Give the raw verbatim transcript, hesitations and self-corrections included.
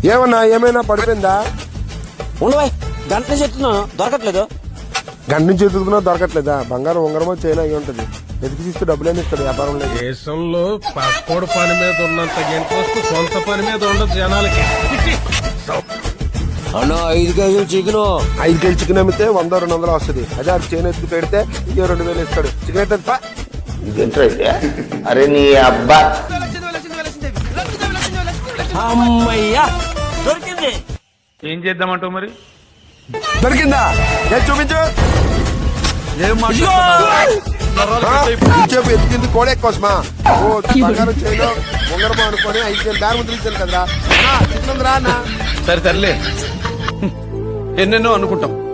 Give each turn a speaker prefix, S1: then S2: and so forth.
S1: ఏమన్నా ఏమైనా పడిపోయిందా?
S2: ఉండవాయి గంట నుంచి చెప్తున్నాను దొరకట్లేదు.
S1: గంట నుంచి ఎదుగుతున్నా దొరకట్లేదా? బంగారం ఉంగరమో చైనా అయి ఉంటది. వెతికి తీస్తే డబ్బులేని ఇస్తాడు వ్యాపారం లేదు.
S3: దేశంలో పక్కోడు పని మీద ఉన్నంత ఇంట్రెస్ట్ సొంత పని మీద ఉండదు జనాలకి.
S2: అన్న ఐదు కేజీలు చికెన్.
S1: ఐదు కేజీ చికెన్ అమ్మితే వంద రెండు వందలు వస్తుంది. అదే అది చైనా ఎత్తుకు పెడితే ఇంకే రెండు వేలు ఇస్తాడు. చికెన్ అయితే
S4: అరే నీ అబ్బా
S2: అమ్మయ్యా దొరికింది.
S3: ఏం చేద్దామంటావు మరి?
S1: దొరికిందా? ఏ చూపించు. చెప్పు ఎత్తుకింది కోడే కోసమా? ఓ బంగారం చైనా ఉంగరమో అనుకొని ఐదు కేజీ దారి ముద్ర ఇచ్చాను కదరా. చికెన్ రా అన్న.
S3: సరే సర్లే, ఎన్నెన్నో అనుకుంటాం.